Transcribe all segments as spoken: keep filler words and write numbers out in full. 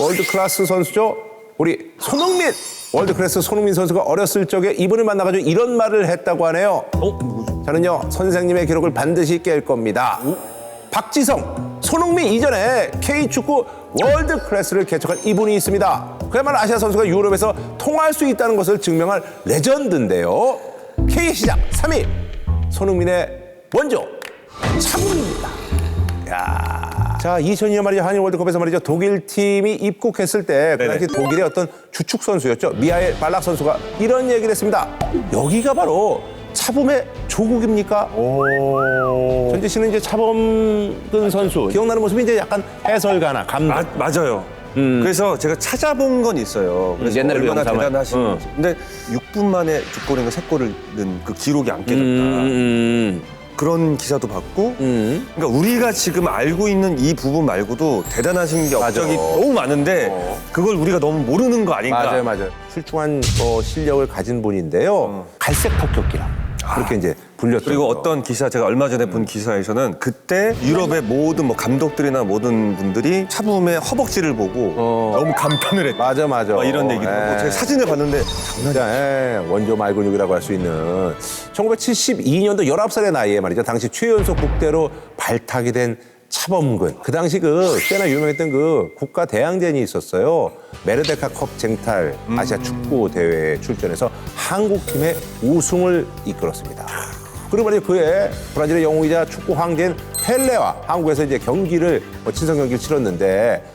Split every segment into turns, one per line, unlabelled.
월드 클래스 선수죠. 우리 손흥민. 월드 클래스 손흥민 선수가 어렸을 적에 이분을 만나가지고 이런 말을 했다고 하네요.
어?
저는요 선생님의 기록을 반드시 깰 겁니다.
오?
박지성, 손흥민 이전에 K축구 월드 클래스를 개척한 이분이 있습니다. 그야말로 아시아 선수가 유럽에서 통할 수 있다는 것을 증명할 레전드인데요. K 시작 삼 위 손흥민의 원조 차범근입니다. 야, 자 이천이 년 말이죠 한일 월드컵에서 말이죠 독일 팀이 입국했을 때 그 당시 독일의 어떤 주축 선수였죠 미하엘 발락 선수가 이런 얘기를 했습니다. 여기가 바로 차범의 조국입니까?
오.
전지 씨는 이제 차범근 선수 기억나는 모습이 이제 약간 해설가나 감독.
아, 맞아요. 음. 그래서 제가 찾아본 건 있어요. 그래서
옛날에
얼마나
영상을.
대단하신지.
응.
근데 육 분 만에 두 골인가 세 골을 넣은 그 기록이 안 깨졌다.
음,
그런 기사도 봤고.
음.
그러니까 우리가 지금 알고 있는 이 부분 말고도 대단하신 게
맞아.
업적이 너무 많은데
어.
그걸 우리가 너무 모르는 거 아닌가.
맞아요, 맞아요. 출중한 어, 실력을 가진 분인데요. 갈색 폭격기라 그렇게 이제 불렸죠.
그리고 어떤 기사 제가 얼마 전에 본 기사에서는 그때 유럽의 모든 뭐 감독들이나 모든 분들이 차범의 허벅지를 보고
어.
너무 감탄을 했다.
맞아, 맞아.
막 이런 얘기를 하고
예.
제가 사진을 봤는데
진짜 예, 원조 말근육이라고 할 수 있는 천구백칠십이 년도 열아홉 살의 나이에 말이죠. 당시 최연소 국대로 발탁이 된 차범근. 그 당시 그 꽤나 유명했던 그 국가 대항전이 있었어요. 메르데카컵 쟁탈 아시아 축구 대회에 출전해서 한국팀의 우승을 이끌었습니다. 그리고 말이죠 그해 브라질의 영웅이자 축구 황제인 펠레와 한국에서 이제 경기를 뭐 친선 경기를 치렀는데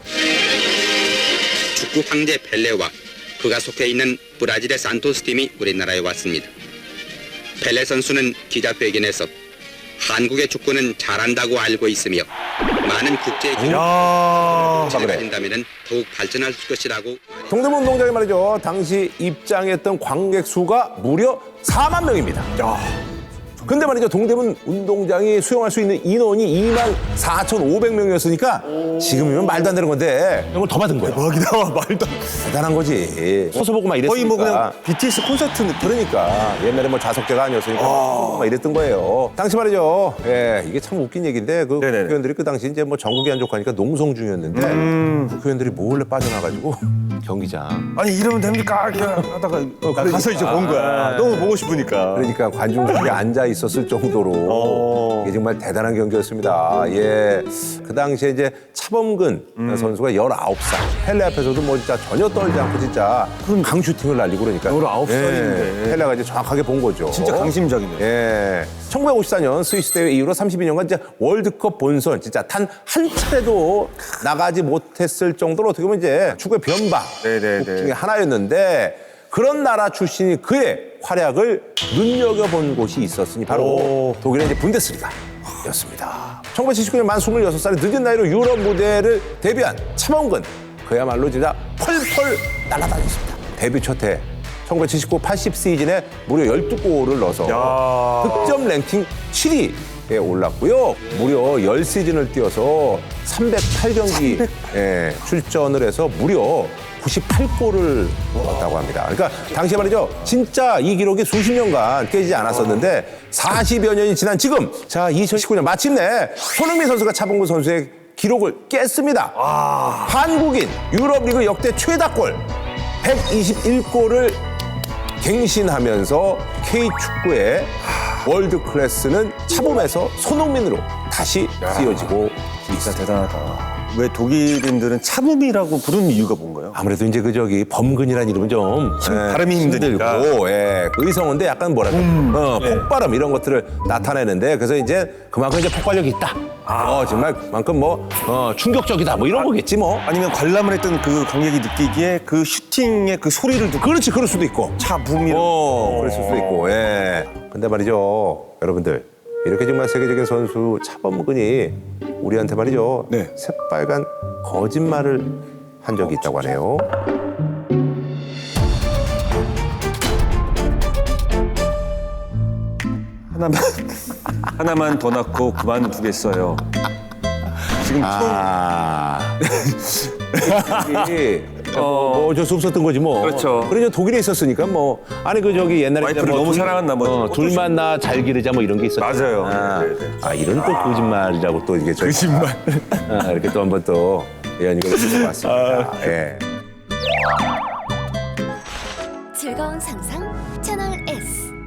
축구 황제 펠레와 그가 속해 있는 브라질의 산토스 팀이 우리나라에 왔습니다. 펠레 선수는 기자회견에서 한국의 축구는 잘한다고 알고 있으며 많은 국제 기록을
야.
가진다면 더욱 발전할 것이라고.
동대문 운동장에 말이죠. 당시 입장했던 관객 수가 무려 사만 명입니다.
야.
근데 말이죠. 동대문 운동장이 수용할 수 있는 인원이 이만 사천오백 명이었으니까 지금이면 말도 안 되는 건데 이걸 더 받은 거예요.
대박이다. 말도 안 돼.
대단한 거지. 서서 보고 막 이랬으니까.
거의 뭐 그냥 비티에스 콘서트 느낌.
그러니까 옛날에 뭐 좌석제가 아니었으니까 막 이랬던 거예요. 당시 말이죠. 예, 이게 참 웃긴 얘기인데 그
네네네.
국회의원들이 그 당시 이제 뭐 전국이 안 좋고 하니까 농성 중이었는데
음.
국회의원들이 몰래 빠져나가지고 경기장.
아니 이러면 됩니까? 이렇게 하다가 나
그러니까.
가서 이제 본 거야. 너무 보고 싶으니까.
그러니까 관중석에 앉아 있었을 정도로
어.
이게 정말 대단한 경기였습니다. 예, 그 당시에 이제 차범근
음.
선수가 열아홉 살 펠레 앞에서도 뭐 진짜 전혀 떨지 않고 진짜 강슈팅을 날리고 그러니까
열아홉 살인데.
예, 펠레가 이제 정확하게 본 거죠.
진짜 강심장이네.
예, 천구백오십사 년 스위스 대회 이후로 삼십이 년간 이제 월드컵 본선 진짜 단 한 차례도 나가지 못했을 정도로 어떻게 보면 이제 축구의 변방
네네네.
중에 하나였는데. 그런 나라 출신이 그의 활약을 눈여겨본 곳이 있었으니 바로
오.
독일의 이제 분데스리가였습니다. 천구백칠십구 년 만 스물여섯 살의 늦은 나이로 유럽 무대를 데뷔한 차범근. 그야말로 진짜 펄펄 날아다녔습니다. 데뷔 첫 해 천구백칠십구 팔십 시즌에 무려 열두 골을 넣어서
야.
득점 랭킹 칠 위에 올랐고요. 무려 십 시즌을 뛰어서 삼백팔 경기 예, 출전을 해서 무려 구십팔 골을 넣었다고 합니다. 그러니까 당시에 말이죠. 진짜 이 기록이 수십 년간 깨지지 않았었는데 사십여 년이 지난 지금 자 이천십구 년 마침내 손흥민 선수가 차범근 선수의 기록을 깼습니다.
아.
한국인 유럽리그 역대 최다골 백이십일 골을 갱신하면서 K축구의 월드 클래스는 차범에서 손흥민으로 다시 쓰여지고
진짜 대단하다. 왜 독일인들은 차범이라고 부르는 이유가 뭔가요?
아무래도 이제 그 저기 범근이라는 이름은 좀 예,
발음이 힘드니까.
힘들고 예, 의성어인데 약간 뭐랄까 어,
네.
폭발음 이런 것들을 나타내는데 그래서 이제 그만큼 이제 폭발력이 있다. 어, 정말 그만큼 뭐 어, 충격적이다 뭐 이런 거겠지 뭐.
아니면 관람을 했던 그 관객이 느끼기에 그 슈팅의 그 소리를 듣고
그렇지 그럴 수도 있고.
차붐이
어, 그랬을 수도 있고. 예. 근데 말이죠, 여러분들 이렇게 정말 세계적인 선수 차범근이 우리한테 말이죠,
네.
새빨간 거짓말을 한 적이 있다고 하네요.
하나만 하나만 더 낳고 그만두겠어요. 지금
아. 어, 뭐 어쩔 수 없었던 거지 뭐.
그렇죠.
그래서 독일에 있었으니까 뭐 아니 그 저기 옛날에
와이프를
뭐
너무
둘-
사랑한 나머지
어,
어쩔 수
둘만 나 잘 기르자 뭐 이런 게 있었죠.
맞아요.
아,
네, 네.
아 이런 또 거짓말이라고 또 이게 저-
거짓말.
아, 이렇게 또 한번 또 예, 이걸 들어봤습니다. 예.
즐거운 상상 채널 S.